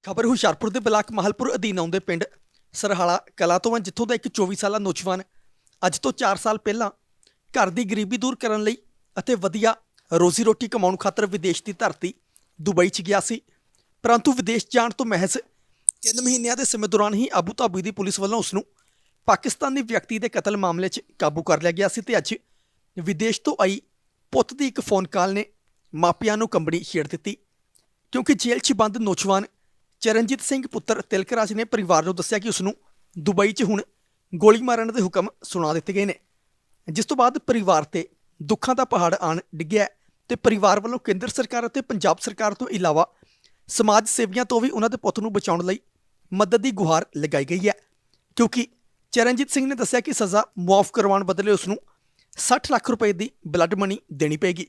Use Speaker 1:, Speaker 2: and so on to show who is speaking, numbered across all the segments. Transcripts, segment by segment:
Speaker 1: ਖਬਰ ਹੁਸ਼ਿਆਰਪੁਰ ਦੇ ਬਲਾਕ ਮਾਹਲਪੁਰ ਅਧੀਨ ਆਉਂਦੇ ਪਿੰਡ ਸਰਹਾਲਾ ਕਲਾ ਤੋਂ ਹੈ, ਜਿੱਥੋਂ ਦਾ ਇੱਕ 24 ਸਾਲਾ ਨੌਜਵਾਨ ਅੱਜ ਤੋਂ 4 ਸਾਲ ਪਹਿਲਾਂ ਘਰ ਦੀ ਗਰੀਬੀ ਦੂਰ ਕਰਨ ਲਈ ਅਤੇ ਵਧੀਆ ਰੋਜ਼ੀ ਰੋਟੀ ਕਮਾਉਣ ਖਾਤਰ ਵਿਦੇਸ਼ ਦੀ ਧਰਤੀ ਦੁਬਈ 'ਚ ਗਿਆ ਸੀ। ਪਰੰਤੂ ਵਿਦੇਸ਼ ਜਾਣ ਤੋਂ ਮਹਿਜ਼ 3 ਮਹੀਨਿਆਂ ਦੇ ਸਮੇਂ ਦੌਰਾਨ ਹੀ ਆਬੂ ਧਾਬੀ ਦੀ ਪੁਲਿਸ ਵੱਲੋਂ ਉਸ ਨੂੰ ਪਾਕਿਸਤਾਨੀ ਵਿਅਕਤੀ ਦੇ ਕਤਲ ਮਾਮਲੇ 'ਚ ਕਾਬੂ ਕਰ ਲਿਆ ਗਿਆ ਸੀ ਤੇ ਅੱਜ ਵਿਦੇਸ਼ ਤੋਂ ਆਈ ਪੁੱਤ ਦੀ ਇੱਕ ਫੋਨ ਕਾਲ ਨੇ ਮਾਪਿਆਂ ਨੂੰ ਕੰਬਣੀ ਛੇੜ ਦਿੱਤੀ, ਕਿਉਂਕਿ ਜੇਲ੍ਹ 'ਚ ਬੰਦ ਨੌਜਵਾਨ ਚਰਨਜੀਤ ਸਿੰਘ ਪੁੱਤਰ ਤਿਲਕਰਾਜ ਨੇ ਪਰਿਵਾਰ ਨੂੰ ਦੱਸਿਆ ਕਿ ਉਸ ਨੂੰ ਦੁਬਈ 'ਚ ਹੁਣ ਗੋਲੀ ਮਾਰਨ ਦੇ ਹੁਕਮ ਸੁਣਾ ਦਿੱਤੇ ਗਏ ਨੇ, ਜਿਸ ਤੋਂ ਬਾਅਦ ਪਰਿਵਾਰ ਤੇ ਦੁੱਖਾਂ ਦਾ ਪਹਾੜ ਆਣ ਡਿੱਗਿਆ ਤੇ ਪਰਿਵਾਰ ਵੱਲੋਂ ਕੇਂਦਰ ਸਰਕਾਰ ਅਤੇ ਪੰਜਾਬ ਸਰਕਾਰ ਤੋਂ ਇਲਾਵਾ ਸਮਾਜ ਸੇਵੀਆਂ ਤੋਂ ਵੀ ਉਹਨਾਂ ਦੇ ਪੁੱਤ ਨੂੰ ਬਚਾਉਣ ਲਈ ਮਦਦ ਦੀ ਗੁਹਾਰ ਲਗਾਈ ਗਈ ਹੈ, ਕਿਉਂਕਿ ਚਰਨਜੀਤ ਸਿੰਘ ਨੇ ਦੱਸਿਆ ਕਿ ਸਜ਼ਾ ਮੁਆਫ ਕਰਵਾਉਣ ਬਦਲੇ ਉਸ ਨੂੰ 60 ਲੱਖ ਰੁਪਏ ਦੀ ਬਲੱਡ ਮਨੀ ਦੇਣੀ ਪਏਗੀ।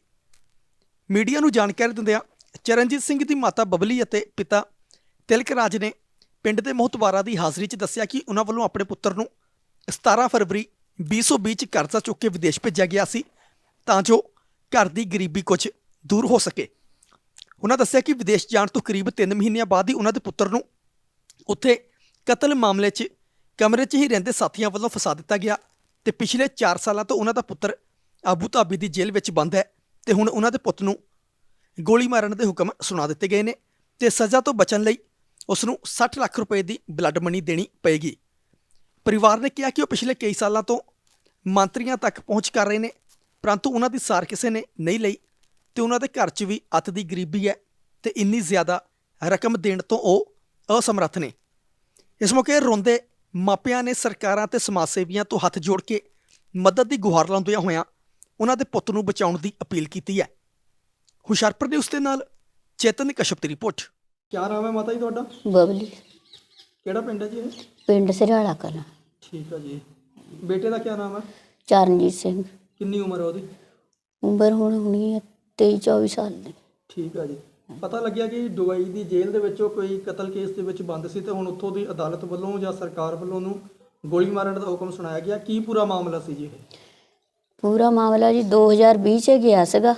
Speaker 1: ਮੀਡੀਆ ਨੂੰ ਜਾਣਕਾਰੀ ਦਿੰਦਿਆਂ ਚਰਨਜੀਤ ਸਿੰਘ ਦੀ ਮਾਤਾ ਬਬਲੀ ਅਤੇ ਪਿਤਾ ਤਿਲਕਰਾਜ ਨੇ ਪਿੰਡ ਦੇ ਮੋਹਤਬਾਰਾਂ ਦੀ ਹਾਜ਼ਰੀ 'ਚ ਦੱਸਿਆ ਕਿ ਉਹਨਾਂ ਵੱਲੋਂ ਆਪਣੇ ਪੁੱਤਰ ਨੂੰ 17 ਫਰਵਰੀ 2020 'ਚ ਕਰਜ਼ਾ ਚੁੱਕ ਕੇ ਵਿਦੇਸ਼ ਭੇਜਿਆ ਗਿਆ ਸੀ ਤਾਂ ਜੋ ਘਰ ਦੀ ਗਰੀਬੀ ਕੁਝ ਦੂਰ ਹੋ ਸਕੇ। ਉਹਨਾਂ ਦੱਸਿਆ ਕਿ ਵਿਦੇਸ਼ ਜਾਣ ਤੋਂ ਕਰੀਬ 3 ਮਹੀਨਿਆਂ ਬਾਅਦ ਹੀ ਉਹਨਾਂ ਦੇ ਪੁੱਤਰ ਨੂੰ ਉੱਥੇ ਕਤਲ ਮਾਮਲੇ 'ਚ ਕਮਰੇ 'ਚ ਹੀ ਰਹਿੰਦੇ ਸਾਥੀਆਂ ਵੱਲੋਂ ਫਸਾ ਦਿੱਤਾ ਗਿਆ ਤੇ ਪਿਛਲੇ 4 ਸਾਲਾਂ ਤੋਂ ਉਹਨਾਂ ਦਾ ਪੁੱਤਰ ਆਬੂ ਧਾਬੀ ਦੀ ਜੇਲ੍ਹ ਵਿੱਚ ਬੰਦ ਹੈ ਤੇ ਹੁਣ ਉਹਨਾਂ ਦੇ ਪੁੱਤ ਨੂੰ ਗੋਲੀ ਮਾਰਨ ਦੇ ਹੁਕਮ ਸੁਣਾ ਦਿੱਤੇ ਗਏ ਨੇ ਤੇ ਸਜ਼ਾ ਤੋਂ ਬਚਣ ਲਈ ਉਸ ਨੂੰ 60 ਲੱਖ ਰੁਪਏ ਦੀ ਬਲੱਡ ਮਨੀ ਦੇਣੀ ਪਏਗੀ। ਪਰਿਵਾਰ ਨੇ ਕਿਹਾ ਕਿ ਉਹ ਪਿਛਲੇ ਕਈ ਸਾਲਾਂ ਤੋਂ ਮੰਤਰੀਆਂ ਤੱਕ ਪਹੁੰਚ ਕਰ ਰਹੇ ਨੇ, ਪਰੰਤੂ ਉਹਨਾਂ ਦੀ ਸਾਰ ਕਿਸੇ ਨੇ ਨਹੀਂ ਲਈ ਤੇ ਉਹਨਾਂ ਦੇ ਘਰ 'ਚ ਵੀ ਅੱਤ ਦੀ ਗਰੀਬੀ ਹੈ ਤੇ ਇੰਨੀ ਜ਼ਿਆਦਾ ਰਕਮ ਦੇਣ ਤੋਂ ਉਹ ਅਸਮਰੱਥ ਨੇ। ਇਸ ਮੌਕੇ ਰੋਂਦੇ ਮਾਪਿਆਂ ਨੇ ਸਰਕਾਰਾਂ ਤੇ ਸਮਾਜ ਸੇਵੀਆਂ ਤੋਂ ਹੱਥ ਜੋੜ ਕੇ ਮਦਦ ਦੀ ਗੁਹਾਰ ਲਾਉਂਦਿਆਂ ਹੋਇਆਂ ਉਹਨਾਂ ਦੇ ਪੁੱਤ ਨੂੰ ਬਚਾਉਣ ਦੀ ਅਪੀਲ ਕੀਤੀ ਹੈ। ਹੁਸ਼ਿਆਰਪੁਰ ਦੇ ਉਸ ਦੇ ਨਾਲ ਚੇਤਨ ਕਸ਼ਪ ਦੀ ਰਿਪੋਰਟ। ਕਿਆ ਨਾਮ ਹੈ ਮਾਤਾ ਜੀ ਤੁਹਾਡਾ?
Speaker 2: ਬਬਲੀ।
Speaker 1: ਕਿਹੜਾ ਪਿੰਡ ਹੈ ਜੀ ਇਹ?
Speaker 2: ਪਿੰਡ ਸਰਹਾਲਾ ਕਲਾਂ।
Speaker 1: ਠੀਕ ਹੈ ਜੀ। ਬੇਟੇ ਦਾ ਕਿਆ ਨਾਮ ਹੈ?
Speaker 2: ਚਰਨਜੀਤ ਸਿੰਘ।
Speaker 1: ਕਿੰਨੀ ਉਮਰ ਹੈ ਉਹਦੀ?
Speaker 2: ਉਮਰ ਹੁਣ ਹੋਣੀ ਹੈ 23-24 ਸਾਲ ਦੀ।
Speaker 1: ਠੀਕ ਹੈ ਜੀ। ਪਤਾ ਲੱਗਿਆ ਕਿ ਦੁਬਈ ਦੀ ਜੇਲ੍ਹ ਦੇ ਵਿੱਚੋਂ ਕੋਈ ਕਤਲ ਕੇਸ ਦੇ ਵਿੱਚ ਬੰਦ ਸੀ ਤੇ ਹੁਣ ਉੱਥੋਂ ਦੀ ਅਦਾਲਤ ਵੱਲੋਂ ਜਾਂ ਸਰਕਾਰ ਵੱਲੋਂ ਉਹਨੂੰ ਗੋਲੀ ਮਾਰਨ ਦਾ ਹੁਕਮ ਸੁਣਾਇਆ ਗਿਆ। ਕੀ ਪੂਰਾ ਮਾਮਲਾ ਸੀ ਜੀ ਇਹ?
Speaker 2: ਪੂਰਾ ਮਾਮਲਾ ਜੀ 2020 'ਚ ਗਿਆ ਸੀਗਾ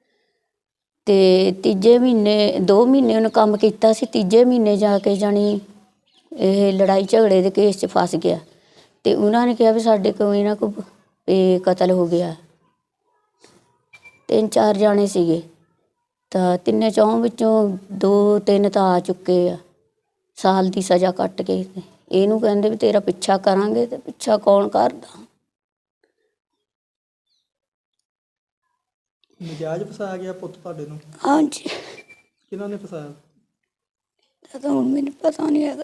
Speaker 2: ਤੇ ਤੀਜੇ ਮਹੀਨੇ 2 ਮਹੀਨੇ ਉਹਨੇ ਕੰਮ ਕੀਤਾ ਸੀ, ਤੀਜੇ ਮਹੀਨੇ ਜਾ ਕੇ ਜਾਣੀ ਇਹ ਲੜਾਈ ਝਗੜੇ ਦੇ ਕੇਸ 'ਚ ਫਸ ਗਿਆ ਤੇ ਉਹਨਾਂ ਨੇ ਕਿਹਾ ਵੀ ਸਾਡੇ ਕੋਲ ਇਹਨਾਂ ਕੋ ਇਹ ਕਤਲ ਹੋ ਗਿਆ। 3-4 ਜਾਣੇ ਸੀਗੇ ਤਾਂ 3-4 ਵਿੱਚੋਂ 2-3 ਤਾਂ ਆ ਚੁੱਕੇ ਆ, ਸਾਲ ਦੀ ਸਜ਼ਾ ਕੱਟ ਕੇ। ਇਹਨੂੰ ਕਹਿੰਦੇ ਵੀ ਤੇਰਾ ਪਿੱਛਾ ਕਰਾਂਗੇ ਤੇ ਪਿੱਛਾ ਕੌਣ ਕਰਦਾ।
Speaker 1: ਨਜਾਇਜ਼ ਫਸਾਇਆ ਗਿਆ ਪੁੱਤ ਤੁਹਾਡੇ ਨੂੰ?
Speaker 2: ਹਾਂਜੀ।
Speaker 1: ਕਿਹਨਾਂ ਨੇ ਫਸਾਇਆ?
Speaker 2: ਤਾਂ ਹੁਣ ਮੈਨੂੰ ਪਤਾ ਨਹੀਂ ਹੈਗਾ।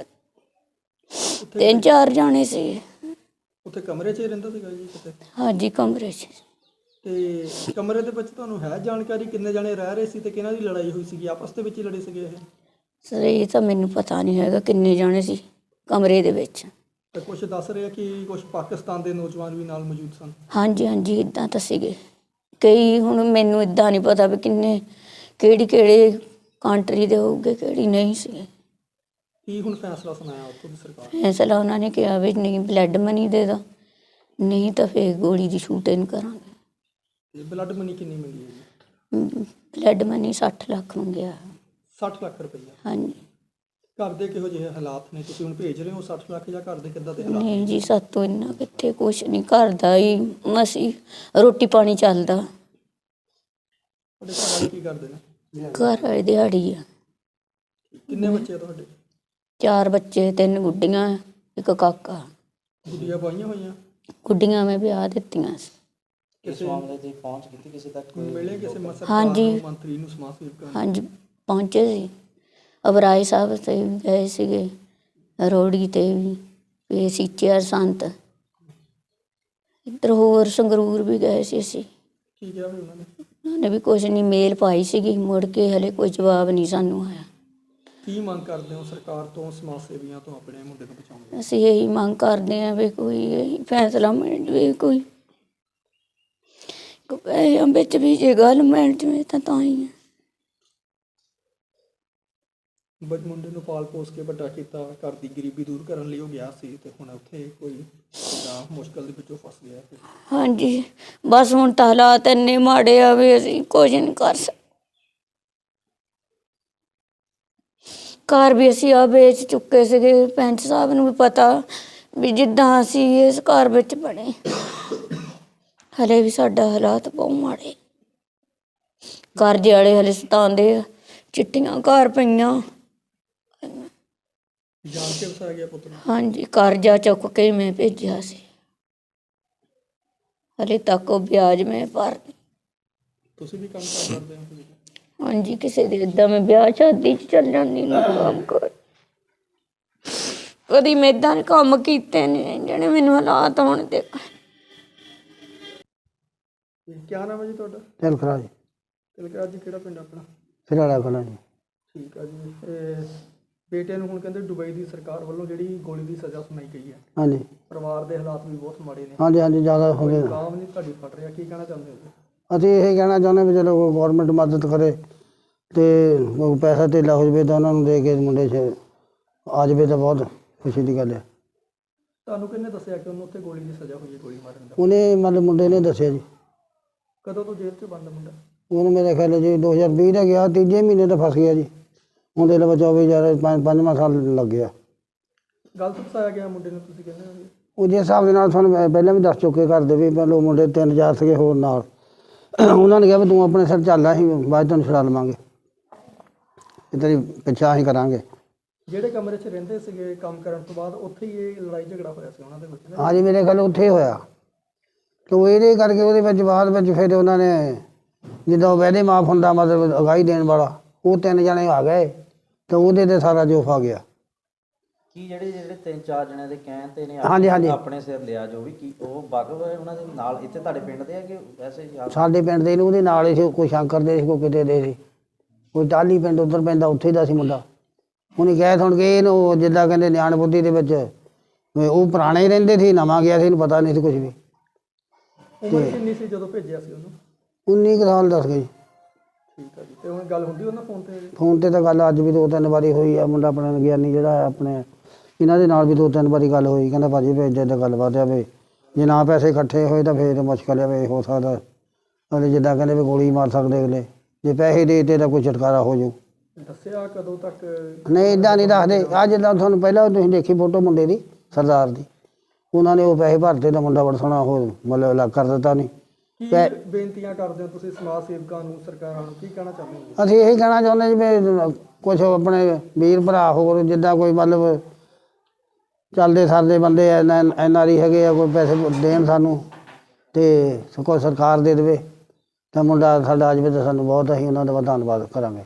Speaker 2: 3-4 ਜਾਣੇ ਸੀ।
Speaker 1: ਉੱਥੇ ਕਮਰੇ 'ਚ ਹੀ ਰਹਿੰਦਾ ਸੀਗਾ ਜੀ ਕਿਤੇ?
Speaker 2: ਹਾਂਜੀ, ਕਮਰੇ 'ਚ।
Speaker 1: ਤੇ ਕਮਰੇ ਦੇ ਵਿੱਚ ਤੁਹਾਨੂੰ ਹੈ ਜਾਣਕਾਰੀ ਕਿੰਨੇ ਜਣੇ ਰਹਿ ਰਹੇ ਸੀ ਤੇ ਕਿਹਨਾਂ ਦੀ ਲੜਾਈ ਹੋਈ ਸੀਗੀ? ਆਪਸ ਦੇ ਵਿੱਚ ਹੀ ਲੜੇ ਸੀਗੇ ਇਹ?
Speaker 2: ਸਰ ਇਹ ਤਾਂ ਮੈਨੂੰ ਪਤਾ ਨਹੀਂ ਹੈਗਾ ਕਿੰਨੇ ਜਾਣੇ ਸੀ ਕਮਰੇ ਦੇ ਵਿੱਚ।
Speaker 1: ਤੇ ਕੁਝ ਦੱਸ ਰਿਹਾ ਕਿ ਕੁਝ ਪਾਕਿਸਤਾਨ ਦੇ ਨੌਜਵਾਨ ਵੀ ਨਾਲ ਮੌਜੂਦ ਸਨ?
Speaker 2: ਹਾਂਜੀ ਹਾਂਜੀ, ਇੱਦਾਂ ਤਾਂ ਸੀਗੇ ਕਈ। ਹੁਣ ਮੈਨੂੰ ਇੱਦਾਂ ਨਹੀਂ ਪਤਾ ਵੀ ਕਿੰਨੇ ਕਿਹੜੇ ਕੰਟਰੀ ਦੇ ਹੋਊਗੇ, ਕਿਹੜੀ ਨਹੀਂ ਸੀਗੇ।
Speaker 1: ਕੀ ਹੁਣ ਫੈਸਲਾ ਸੁਣਾਇਆ ਉੱਥੋਂ ਦੀ ਸਰਕਾਰ?
Speaker 2: ਫੈਸਲਾ ਉਹਨਾਂ ਨੇ ਕਿਹਾ ਵੀ ਨਹੀਂ ਬਲੱਡ ਮਨੀ ਦੇ ਦੋ, ਨਹੀਂ ਤਾਂ ਫਿਰ ਗੋਲੀ ਦੀ ਸ਼ੂਟਿੰਗ ਕਰਾਂਗੇ।
Speaker 1: ਤੇ ਬਲੱਡ ਮਨੀ ਕਿੰਨੀ ਮੰਗੀ ਹੈ ਜੀ?
Speaker 2: ਬਲੱਡ ਮਨੀ 60 ਲੱਖ ਮੰਗਿਆ।
Speaker 1: 60 ਲੱਖ ਰੁਪਈਆ?
Speaker 2: ਹਾਂਜੀ।
Speaker 1: ਘਰ ਦੇ ਕਿਹੋ ਜਿਹੇ ਹਾਲਾਤ ਨੇ? ਤੁਸੀਂ ਹੁਣ ਭੇਜ ਰਹੇ ਹੋ 60 ਲੱਖ ਜਾਂ ਘਰ ਦੇ ਕਿੱਦਾਂ ਦੇ ਹਾਲਾਤ?
Speaker 2: ਨਹੀਂ ਜੀ, ਸਾਤੋਂ ਇੰਨਾ ਕਿੱਥੇ, ਕੁਛ ਨਹੀਂ, ਘਰ ਦਾ ਹੀ ਮਸੀਂ ਰੋਟੀ ਪਾਣੀ ਚੱਲਦਾ।
Speaker 1: ਤੁਹਾਡੇ ਘਰ ਵਾਲੇ ਕੀ ਕਰਦੇ ਨੇ?
Speaker 2: ਘਰ ਵਾਲੇ ਦਿਹਾੜੀ ਆ।
Speaker 1: ਕਿੰਨੇ ਬੱਚੇ ਆ ਤੁਹਾਡੇ?
Speaker 2: 4 ਬੱਚੇ, 3 ਗੁੱਡੀਆਂ, 1 ਕਾਕਾ।
Speaker 1: ਗੁੱਡੀਆਂ ਪਾਈਆਂ ਹੋਈਆਂ?
Speaker 2: ਗੁੱਡੀਆਂ ਮੈਂ ਵਿਆਹ ਦਿੱਤੀਆਂ ਸੀ।
Speaker 1: ਕਿਸੇ ਮਾਮਲੇ ਦੀ ਪਹੁੰਚ ਕੀਤੀ ਕਿਸੇ ਤੱਕ? ਮਿਲੇ ਕਿਸੇ
Speaker 2: ਹਾਂਜੀ।
Speaker 1: ਮੰਤਰੀ ਨੂੰ, ਸਮਾਜ ਸੇਵਕਾਂ ਨੂੰ?
Speaker 2: ਹਾਂਜੀ, ਪਹੁੰਚੇ ਸੀ। ਅਬਰਾਏ ਸਾਹਿਬ ਤੇ ਵੀ ਗਏ ਸੀਗੇ, ਰੋੜੀ ਤੇ ਵੀ, ਸੀਚੇਆਰ ਸੰਤ, ਇੱਧਰ ਹੋਰ ਸੰਗਰੂਰ ਵੀ ਗਏ ਸੀ ਅਸੀਂ।
Speaker 1: ਕੀ ਕਿਹਾ ਫਿਰ ਉਹਨਾਂ ਨੇ?
Speaker 2: ਉਹਨਾਂ ਨੇ ਵੀ ਕੁਛ ਨਹੀਂ, ਮੇਲ ਪਾਈ ਸੀਗੀ, ਮੁੜ ਕੇ ਹਲੇ ਕੋਈ ਜਵਾਬ ਨਹੀਂ ਸਾਨੂੰ ਆਇਆ।
Speaker 1: ਕੀ ਮੰਗ ਕਰਦੇ ਹੋ ਸਰਕਾਰ ਤੋਂ, ਸਮਾਜ ਸੇਵੀਆਂ ਤੋਂ ਆਪਣੇ ਮੁੰਡੇ ਨੂੰ ਬਚਾਉਣ ਲਈ?
Speaker 2: ਅਸੀਂ ਇਹੀ ਮੰਗ ਕਰਦੇ ਹਾਂ ਵੀ ਕੋਈ ਇਹੀ ਫੈਸਲਾ ਮਿਲ ਜਾਵੇ, ਕੋਈ ਪੈਸਿਆਂ ਵਿੱਚ ਵੀ ਜੇ ਗੱਲ ਮਿਲ ਜਾਵੇ ਤਾਂ ਹੀ ਹੈ।
Speaker 1: ਮੁੰਡੇ ਨੂੰ ਪਾਲ ਪੋਸ ਕੇ ਵੱਡਾ ਕੀਤਾ, ਘਰ ਦੀ ਗਰੀਬੀ ਦੂਰ ਕਰਨ ਲਈ ਉਹ ਗਿਆ ਸੀ ਤੇ ਹੁਣ ਉੱਥੇ ਕੋਈ ਮੁਸ਼ਕਲ ਦੇ ਵਿੱਚੋਂ ਫਸ ਗਿਆ।
Speaker 2: ਹਾਂਜੀ, ਬਸ ਹੁਣ ਤਾਂ ਹਾਲਾਤ ਇੰਨੇ ਮਾੜੇ ਆ ਵੀ ਅਸੀਂ ਕੁਝ ਨਹੀਂ ਕਰ ਸਕਦੇ। ਘਰ ਵੀ ਅਸੀਂ ਆ ਵੇਚ ਚੁੱਕੇ ਸੀਗੇ। ਪੈਂਚ ਸਾਹਿਬ ਨੂੰ ਵੀ ਪਤਾ ਵੀ ਜਿੱਦਾਂ ਅਸੀਂ ਇਸ ਘਰ ਵਿੱਚ ਬਣੇ, ਹਲੇ ਵੀ ਸਾਡਾ ਹਾਲਾਤ ਬਹੁਤ ਮਾੜੇ। ਕਰਜ਼ੇ ਵਾਲੇ ਹਲੇ ਸਤਾਉਂਦੇ ਆ, ਚਿੱਟੀਆਂ ਘਰ ਪਈਆਂ।
Speaker 1: ਜਾਣ ਕੇ ਵਸਾਇਆ ਗਿਆ ਪੁੱਤ ਨੂੰ?
Speaker 2: ਹਾਂਜੀ, ਕਰਜ਼ਾ ਚੁੱਕ ਕੇ ਮੈਂ ਭੇਜਿਆ ਸੀ। ਹਲੇ ਤੱਕ ਉਹ ਵਿਆਜ ਮੈਂ ਭਰ।
Speaker 1: ਤੁਸੀਂ ਵੀ ਕੰਮ ਕਾਰ ਕਰਦੇ ਹੋ?
Speaker 2: ਹਾਂਜੀ, ਕਿਸੇ ਦੇ ਏਦਾਂ ਮੈਂ ਵਿਆਹ ਸ਼ਾਦੀ 'ਚ ਚੱਲ ਜਾਂਦੀ ਨਾ ਕੰਮ ਕਰ। ਕਦੀ ਮੈਂ ਏਦਾਂ ਦੇ ਕੰਮ ਕੀਤੇ ਨੇ ਜਿਹੜੇ ਮੈਨੂੰ ਹਾਲਾਤ ਹੋਣ ਦੇ।
Speaker 1: ਕੀ ਨਾਮ ਹੈ ਜੀ ਤੁਹਾਡਾ?
Speaker 3: ਤਿਲਕਰਾ ਜੀ।
Speaker 1: ਤਿਲਕਰਾਜ ਜੀ, ਕਿਹੜਾ ਪਿੰਡ ਆਪਣਾ?
Speaker 3: ਫਿਰਾੜਾ ਕਲਾਂ ਜੀ।
Speaker 1: ਠੀਕ ਆ ਜੀ। ਬੇਟੇ ਨੂੰ ਹੁਣ ਕਹਿੰਦੇ ਦੁਬਈ ਦੀ ਸਰਕਾਰ ਵੱਲੋਂ ਜਿਹੜੀ ਗੋਲੀ ਦੀ ਸਜ਼ਾ ਸੁਣਾਈ ਗਈ ਹੈ,
Speaker 3: ਹਾਂਜੀ
Speaker 1: ਪਰਿਵਾਰ ਦੇ ਹਾਲਾਤ ਵੀ ਬਹੁਤ ਮਾੜੇ ਨੇ।
Speaker 3: ਹਾਂਜੀ ਹਾਂਜੀ, ਜ਼ਿਆਦਾ ਹੋ ਗਏ।
Speaker 1: ਕਾਮ ਨਹੀਂ ਤੁਹਾਡੀ ਫਟ ਰਿਹਾ, ਕੀ ਕਹਿਣਾ ਚਾਹੁੰਦੇ ਹੋ?
Speaker 3: ਅਸੀਂ ਇਹ ਕਹਿਣਾ ਚਾਹੁੰਦੇ ਵੀ ਚਲੋ ਗੌਰਮੈਂਟ ਮਦਦ ਕਰੇ ਅਤੇ ਪੈਸਾ ਧੇਲਾ ਹੋ ਜਾਵੇ ਤਾਂ ਉਹਨਾਂ ਨੂੰ ਦੇ ਕੇ ਮੁੰਡੇ 'ਚ ਆ ਜਾਵੇ ਤਾਂ ਬਹੁਤ ਖੁਸ਼ੀ ਦੀ ਗੱਲ ਹੈ।
Speaker 1: ਤੁਹਾਨੂੰ ਕਿਹਨੇ ਦੱਸਿਆ ਕਿ ਉਹਨੂੰ ਉੱਥੇ ਗੋਲੀ ਦੀ ਸਜ਼ਾ ਹੋਈ ਹੈ, ਗੋਲੀ ਮਾਰਨ ਦਾ?
Speaker 3: ਉਹਨੇ ਮਤਲਬ ਮੁੰਡੇ ਨੇ ਦੱਸਿਆ ਜੀ।
Speaker 1: ਕਦੋਂ ਤੋਂ ਜੇਲ੍ਹ 'ਚ ਬੰਦ ਮੁੰਡਾ?
Speaker 3: ਉਹਨੂੰ ਮੇਰੇ ਖਿਆਲ ਜੀ 2020 ਦਾ ਗਿਆ, ਤੀਜੇ ਮਹੀਨੇ ਤਾਂ ਫਸ ਗਿਆ ਜੀ। ਉਹਦੇ ਲਈ 24 ਪੰਜਵਾਂ ਸਾਲ ਲੱਗ ਗਿਆ।
Speaker 1: ਗਲਤ ਫਸਾਇਆ ਗਿਆ ਮੁੰਡੇ ਨੂੰ, ਤੁਸੀਂ ਕਹਿੰਦੇ ਹੋ?
Speaker 3: ਉਹ ਜਿਸ ਹਿਸਾਬ ਦੇ ਨਾਲ ਤੁਹਾਨੂੰ ਪਹਿਲਾਂ ਵੀ ਦੱਸ ਚੁੱਕੇ ਘਰ ਦੇ ਵੀ ਪਹਿਲਾਂ ਮੁੰਡੇ 3-4 ਸੀਗੇ ਹੋਰ ਨਾਲ। ਉਹਨਾਂ ਨੇ ਕਿਹਾ ਵੀ ਤੂੰ ਆਪਣੇ ਸਿਰ ਚੱਲ, ਅਸੀਂ ਬਾਅਦ ਤੈਨੂੰ ਛੁਡਾ ਲਵਾਂਗੇ, ਤੇ ਤੇਰੀ ਪਿੱਛਾ ਅਸੀਂ ਕਰਾਂਗੇ।
Speaker 1: ਜਿਹੜੇ ਕਮਰੇ 'ਚ ਰਹਿੰਦੇ ਸੀਗੇ ਕੰਮ ਕਰਨ ਤੋਂ ਬਾਅਦ, ਉੱਥੇ ਹੀ ਇਹ ਲੜਾਈ ਝਗੜਾ ਹੋਇਆ ਸੀ ਉਹਨਾਂ ਦੇ ਵਿੱਚ?
Speaker 3: ਹਾਂਜੀ, ਮੇਰੇ ਖਿਆਲ ਉੱਥੇ ਹੀ ਹੋਇਆ। ਤੇ ਇਹਦੇ ਕਰਕੇ ਉਹਦੇ ਵਿੱਚ ਬਾਅਦ ਵਿੱਚ ਫਿਰ ਉਹਨਾਂ ਨੇ ਜਿੱਦਾਂ ਵੈਦੇ ਮਾਫ ਹੁੰਦਾ, ਮਤਲਬ ਅਗਾਈ ਦੇਣ ਵਾਲਾ, ਉਹ 3 ਜਣੇ ਆ ਗਏ ਤੇ ਉਹਦੇ ਤੇ ਸਾਰਾ ਜੋਫ ਆ ਗਿਆ।
Speaker 4: ਕੀ ਜਿਹੜੇ 3-4 ਜਣਿਆਂ ਦੇ ਕਹਿਣ ਤੇ ਨੇ
Speaker 3: ਹਾਂਜੀ ਹਾਂਜੀ,
Speaker 4: ਆਪਣੇ ਸਿਰ ਲਿਆ ਜੋ ਵੀ, ਕੀ ਉਹ ਵਾਕਫ ਹੈ ਉਹਨਾਂ ਦੇ ਨਾਲ? ਇੱਥੇ ਤੁਹਾਡੇ ਪਿੰਡ ਦੇ ਆ ਕਿ ਵੈਸੇ ਹੀ
Speaker 3: ਸਾਡੇ ਪਿੰਡ ਦੇ ਨੂੰ ਉਹਦੇ ਨਾਲ ਹੀ ਸੀ, ਕੋਈ ਸ਼ੰਕਰ ਦੇ ਸੀ, ਕੋਈ ਕਿਤੇ ਦੇ ਸੀ, ਕੋਈ ਟਾਹਲੀ ਪਿੰਡ ਉੱਧਰ ਪੈਂਦਾ, ਉੱਥੇ ਦਾ ਸੀ ਮੁੰਡਾ। ਉਹਨੇ ਕਹਿ ਸੁਣ ਕੇ ਇਹਨੂੰ ਜਿੱਦਾਂ ਕਹਿੰਦੇ ਨਿਆਣ ਬੁੱਧੀ ਦੇ ਵਿੱਚ ਉਹ ਪੁਰਾਣੇ ਹੀ ਰਹਿੰਦੇ ਸੀ, ਨਵਾਂ ਗਿਆ ਸੀ, ਇਹਨੂੰ ਪਤਾ ਨਹੀਂ ਸੀ ਕੁਛ ਵੀ।
Speaker 1: ਉਮਰ ਕਿੰਨੀ ਸੀ ਜਦੋਂ ਭੇਜਿਆ ਸੀ ਉਹਨੂੰ?
Speaker 3: 19 ਕੁ ਸਾਲ ਦੱਸ ਗਏ ਜੀ।
Speaker 1: ਠੀਕ ਆ ਜੀ। ਤੇ ਹੁਣ ਗੱਲ ਹੁੰਦੀ ਉਹਨਾਂ ਫੋਨ ਤੇ?
Speaker 3: ਫੋਨ ਤੇ ਤਾਂ ਗੱਲ ਅੱਜ ਵੀ 2-3 ਵਾਰੀ ਹੋਈ ਆ। ਮੁੰਡਾ ਆਪਣਾ ਗਿਆਨੀ ਜਿਹੜਾ ਆਪਣੇ ਇਹਨਾਂ ਦੇ ਨਾਲ ਵੀ 2-3 ਵਾਰੀ ਗੱਲ ਹੋਈ। ਕਹਿੰਦਾ ਭਾਜੀ ਵੀ ਇੱਦਾਂ ਇੱਦਾਂ ਗੱਲਬਾਤ ਆ ਵੀ ਜੇ ਨਾ ਪੈਸੇ ਇਕੱਠੇ ਹੋਏ ਤਾਂ ਫਿਰ ਮੁਸ਼ਕਲ ਆ ਵੀ ਹੋ ਸਕਦਾ ਅਗਲੇ ਜਿੱਦਾਂ ਕਹਿੰਦੇ ਵੀ ਗੋਲੀ ਮਾਰ ਸਕਦੇ ਅਗਲੇ, ਜੇ ਪੈਸੇ ਦੇ ਦਿੱਤੇ ਤਾਂ ਕੋਈ ਛੁਟਕਾਰਾ ਹੋ ਜਾਊ।
Speaker 1: ਦੱਸਿਆ ਕਦੋਂ ਤੱਕ?
Speaker 3: ਨਹੀਂ, ਇੱਦਾਂ ਨਹੀਂ ਦੱਸਦੇ। ਅੱਜ ਜਿੱਦਾਂ ਤੁਹਾਨੂੰ ਪਹਿਲਾਂ ਤੁਸੀਂ ਦੇਖੀ ਫੋਟੋ ਮੁੰਡੇ ਦੀ, ਸਰਦਾਰ ਦੀ, ਉਹਨਾਂ ਨੇ ਉਹ ਪੈਸੇ ਭਰਤੇ ਤਾਂ ਮੁੰਡਾ ਬੜਾ ਸੋਹਣਾ ਉਹ ਮਤਲਬ ਅਲੱਗ ਕਰ ਦਿੱਤਾ। ਨਹੀਂ
Speaker 1: ਕੀ ਬੇਨਤੀਆਂ ਕਰਦੇ ਹੋ ਤੁਸੀਂ ਸਮਾਜ ਸੇਵਕਾਂ ਨੂੰ, ਸਰਕਾਰਾਂ ਨੂੰ, ਕੀ ਕਹਿਣਾ ਚਾਹੁੰਦੇ ਹੋ?
Speaker 3: ਅਸੀਂ ਇਹੀ ਕਹਿਣਾ ਚਾਹੁੰਦੇ ਜੀ ਵੀ ਕੁਛ ਆਪਣੇ ਵੀਰ ਭਰਾ ਹੋਰ ਜਿੱਦਾਂ ਕੋਈ ਮਤਲਬ ਚੱਲਦੇ ਸਰਦੇ ਬੰਦੇ NRI ਹੈਗੇ ਆ, ਕੋਈ ਪੈਸੇ ਦੇਣ ਸਾਨੂੰ ਅਤੇ ਕੋਈ ਸਰਕਾਰ ਦੇ ਦੇਵੇ ਤਾਂ ਮੁੰਡਾ ਸਾਡਾ ਆ ਜਾਵੇ ਤਾਂ ਸਾਨੂੰ ਬਹੁਤ, ਅਸੀਂ ਉਹਨਾਂ ਦਾ ਧੰਨਵਾਦ ਕਰਾਂਗੇ।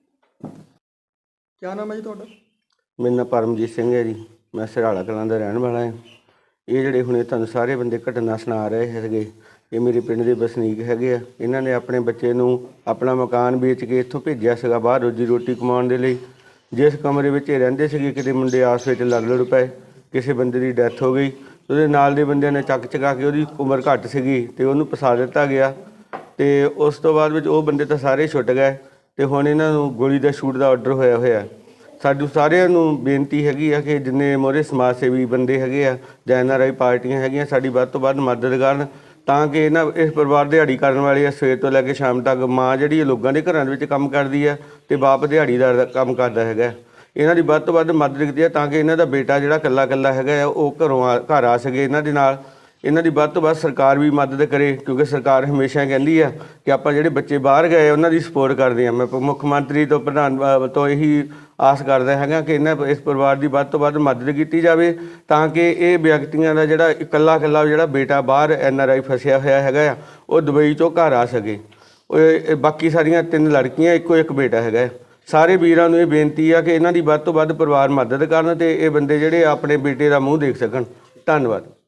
Speaker 1: ਕੀ ਨਾਮ ਹੈ ਜੀ ਤੁਹਾਡਾ?
Speaker 5: ਮੇਰਾ ਨਾਮ ਪਰਮਜੀਤ ਸਿੰਘ ਹੈ ਜੀ। ਮੈਂ ਸਿਰਾਲਾ ਕਲਾਂ ਦਾ ਰਹਿਣ ਵਾਲਾ ਹਾਂ। ਇਹ ਜਿਹੜੇ ਹੁਣੇ ਤੁਹਾਨੂੰ ਸਾਰੇ ਬੰਦੇ ਘਟਨਾ ਸੁਣਾ ਰਹੇ ਹੈਗੇ, ਇਹ ਮੇਰੇ ਪਿੰਡ ਦੇ ਵਸਨੀਕ ਹੈਗੇ ਆ। ਇਹਨਾਂ ਨੇ ਆਪਣੇ ਬੱਚੇ ਨੂੰ ਆਪਣਾ ਮਕਾਨ ਵੇਚ ਕੇ ਇੱਥੋਂ ਭੇਜਿਆ ਸੀਗਾ ਬਾਹਰ ਰੋਜੀ ਰੋਟੀ ਕਮਾਉਣ ਦੇ ਲਈ। ਜਿਸ ਕਮਰੇ ਵਿੱਚ ਇਹ ਰਹਿੰਦੇ ਸੀਗੇ, ਕਿਤੇ ਮੁੰਡੇ ਆਪਸ ਵਿੱਚ ਲੜ ਪਏ, ਕਿਸੇ ਬੰਦੇ ਦੀ ਡੈਥ ਹੋ ਗਈ। ਉਹਦੇ ਨਾਲ ਦੇ ਬੰਦਿਆਂ ਨੇ ਚੱਕ ਚਕਾ ਕੇ, ਉਹਦੀ ਉਮਰ ਘੱਟ ਸੀਗੀ ਅਤੇ ਉਹਨੂੰ ਫਸਾ ਦਿੱਤਾ ਗਿਆ। ਅਤੇ ਉਸ ਤੋਂ ਬਾਅਦ ਵਿੱਚ ਉਹ ਬੰਦੇ ਤਾਂ ਸਾਰੇ ਛੁੱਟ ਗਏ ਅਤੇ ਹੁਣ ਇਹਨਾਂ ਨੂੰ ਗੋਲੀ ਦਾ ਸ਼ੂਟ ਦਾ ਆਰਡਰ ਹੋਇਆ। ਸਾਨੂੰ ਸਾਰਿਆਂ ਨੂੰ ਬੇਨਤੀ ਹੈਗੀ ਆ ਕਿ ਜਿੰਨੇ ਮੋਹਰੇ ਸਮਾਜ ਸੇਵੀ ਬੰਦੇ ਹੈਗੇ ਆ ਜਾਂ NRI ਪਾਰਟੀਆਂ ਹੈਗੀਆਂ, ਸਾਡੀ ਵੱਧ ਤੋਂ ਵੱਧ ਮਦਦ ਕਰਨ ਤਾਂ ਕਿ ਇਸ ਪਰਿਵਾਰ ਦਿਹਾੜੀ ਕਰਨ ਵਾਲੇ ਆ। ਸਵੇਰ ਤੋਂ ਲੈ ਕੇ ਸ਼ਾਮ ਤੱਕ ਮਾਂ ਜਿਹੜੀ ਲੋਕਾਂ ਦੇ ਘਰਾਂ ਦੇ ਵਿੱਚ ਕੰਮ ਕਰਦੀ ਆ ਅਤੇ ਬਾਪ ਦਿਹਾੜੀਦਾਰ ਦਾ ਕੰਮ ਕਰਦਾ ਹੈਗਾ। ਇਹਨਾਂ ਦੀ ਵੱਧ ਤੋਂ ਵੱਧ ਮਦਦ ਕੀਤੀ ਆ ਤਾਂ ਕਿ ਇਹਨਾਂ ਦਾ ਬੇਟਾ ਜਿਹੜਾ ਇਕੱਲਾ ਹੈਗਾ ਆ ਉਹ ਘਰ ਆ ਸਕੇ ਇਹਨਾਂ ਦੇ ਨਾਲ। ਇਹਨਾਂ ਦੀ ਵੱਧ ਤੋਂ ਵੱਧ ਸਰਕਾਰ ਵੀ ਮਦਦ ਕਰੇ, ਕਿਉਂਕਿ ਸਰਕਾਰ ਹਮੇਸ਼ਾ ਕਹਿੰਦੀ ਆ ਕਿ ਆਪਾਂ ਜਿਹੜੇ ਬੱਚੇ ਬਾਹਰ ਗਏ ਉਹਨਾਂ ਦੀ ਸਪੋਰਟ ਕਰਦੇ ਹਾਂ। ਮੈਂ ਮੁੱਖ ਮੰਤਰੀ ਤੋਂ ਪ੍ਰਧਾਨ ਤੋਂ ਇਹੀ ਆਸ ਕਰਦਾ ਹੈਗਾ ਕਿ ਇਸ ਪਰਿਵਾਰ ਦੀ ਵੱਧ ਤੋਂ ਵੱਧ ਮਦਦ ਕੀਤੀ ਜਾਵੇ ਤਾਂ ਕਿ ਇਹ ਵਿਅਕਤੀਆਂ ਦਾ ਜਿਹੜਾ ਇਕੱਲਾ ਜਿਹੜਾ ਬੇਟਾ ਬਾਹਰ NRI ਫਸਿਆ ਹੋਇਆ ਹੈਗਾ ਆ, ਉਹ ਦੁਬਈ 'ਚੋਂ ਘਰ ਆ ਸਕੇ। ਬਾਕੀ ਸਾਰੀਆਂ 3 ਲੜਕੀਆਂ, ਇੱਕੋ ਇੱਕ ਬੇਟਾ ਹੈਗਾ। ਸਾਰੇ ਵੀਰਾਂ ਨੂੰ ਇਹ ਬੇਨਤੀ ਆ ਕਿ ਇਹਨਾਂ ਦੀ ਵੱਧ ਤੋਂ ਵੱਧ ਪਰਿਵਾਰ ਮਦਦ ਕਰਨ ਅਤੇ ਇਹ ਬੰਦੇ ਜਿਹੜੇ ਆਪਣੇ ਬੇਟੇ ਦਾ ਮੂੰਹ ਦੇਖ ਸਕਣ। ਧੰਨਵਾਦ।